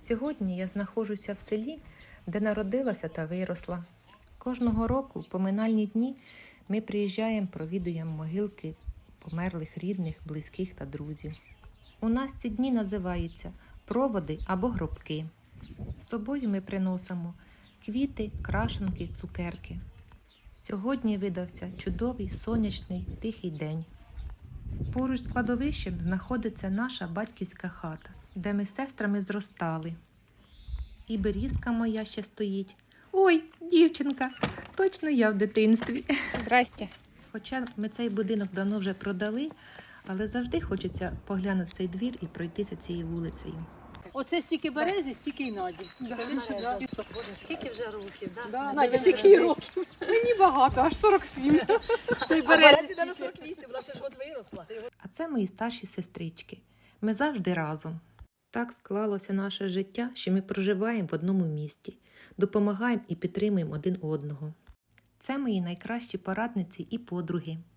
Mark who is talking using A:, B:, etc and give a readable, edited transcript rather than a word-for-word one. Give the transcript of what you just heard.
A: Сьогодні я знаходжуся в селі, де народилася та виросла. Кожного року в поминальні дні ми приїжджаємо, провідуємо могилки померлих рідних, близьких та друзів. У нас ці дні називаються проводи або гробки. З собою ми приносимо квіти, крашенки, цукерки. Сьогодні видався чудовий, сонячний, тихий день. Поруч з кладовищем знаходиться наша батьківська хата, де ми з сестрами зростали. І берізка моя ще стоїть. Ой, дівчинка, точно я в дитинстві.
B: Здрасте.
A: Хоча ми цей будинок давно вже продали, але завжди хочеться поглянути цей двір і пройтися цією вулицею.
C: Оце стільки берези, стільки й Наді.
D: Боже, скільки вже років, да?
C: Надя, скільки їй років? Мені багато, аж 47. Цей
D: Березі на 48, вона ще ж от виросла.
A: А це мої старші сестрички. Ми завжди разом. Так склалося наше життя, що ми проживаємо в одному місті, допомагаємо і підтримуємо один одного. Це мої найкращі порадниці і подруги.